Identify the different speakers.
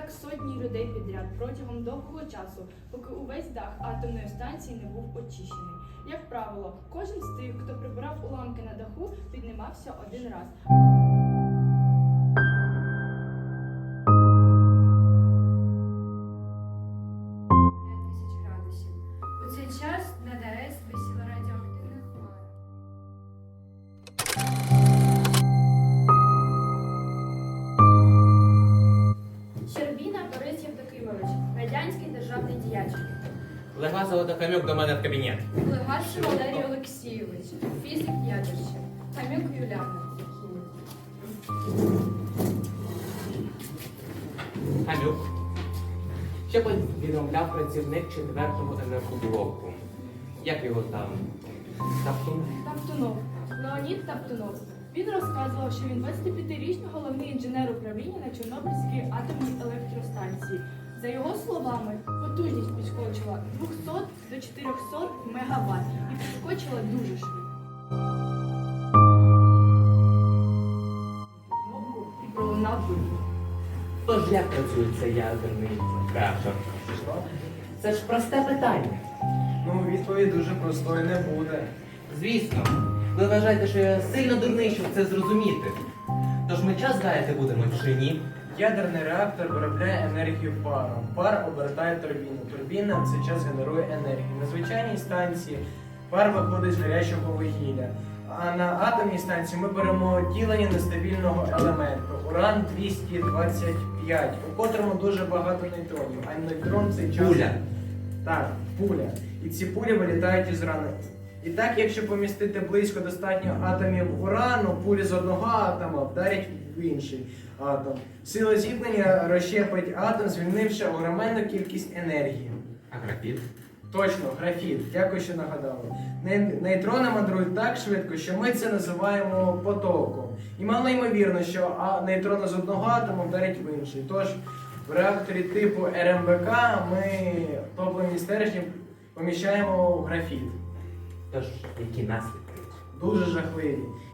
Speaker 1: так сотні людей підряд протягом довгого часу, поки увесь дах атомної станції не був очищений. Як правило, кожен з тих, хто прибирав уламки на даху, піднімався один раз.
Speaker 2: У цей час над АЕС висіла радіоактивна хмара. Щербіна Борис Євдокимович, радянський державний діяч.
Speaker 3: Легла Золотохамюк до мене в кабінет.
Speaker 2: Легаш Валерій Олексійович, фізик ядерщик. Хамюк Юляна, хімік.
Speaker 3: Хамюк. Що повідомляв працівник 4-го енергоблоку? Як його там?
Speaker 1: Таптунов. Леонід Таптунов. Він розказував, що він 25-річний головний інженер управління на Чорнобильській атомній електростанції. За його словами, потужність підскочила 200 до 400 МВт і підскочила дуже швидко. Кнопку і пролунав вибух.
Speaker 3: Тож як працює цей ядерний реактор? Це ж просте питання.
Speaker 4: Ну, відповідь дуже простою не буде.
Speaker 3: Звісно, ви вважаєте, що я сильно дурний, щоб це зрозуміти. Тож ми час гаяти будемо чи ні?
Speaker 4: Ядерний реактор виробляє енергію паром. Пар обертає турбіну. Турбіна в цей час генерує енергію. На звичайній станції пар виходить з гарячого вугілля. А на атомній станції ми беремо ділення нестабільного елементу уран-225, у котрому дуже багато нейтронів. А нейтрон в цей час...
Speaker 3: Пуля.
Speaker 4: Так, пуля. І ці пулі вилітають із рани. І так, якщо помістити близько достатньо атомів урану, пулі з одного атома вдарять в інший атом. Сила зіткнення розщепить атом, звільнивши огроменну кількість енергії.
Speaker 3: А графіт?
Speaker 4: Точно, графіт. Дякую, що нагадали. Нейтрони мандрують так швидко, що ми це називаємо потоком. І мало ймовірно, що нейтрони з одного атому вдарять в інший. Тож в реакторі типу РМБК ми топливні стержні поміщаємо в графіт.
Speaker 3: Тож, які наслідки?
Speaker 4: Дуже жахливі.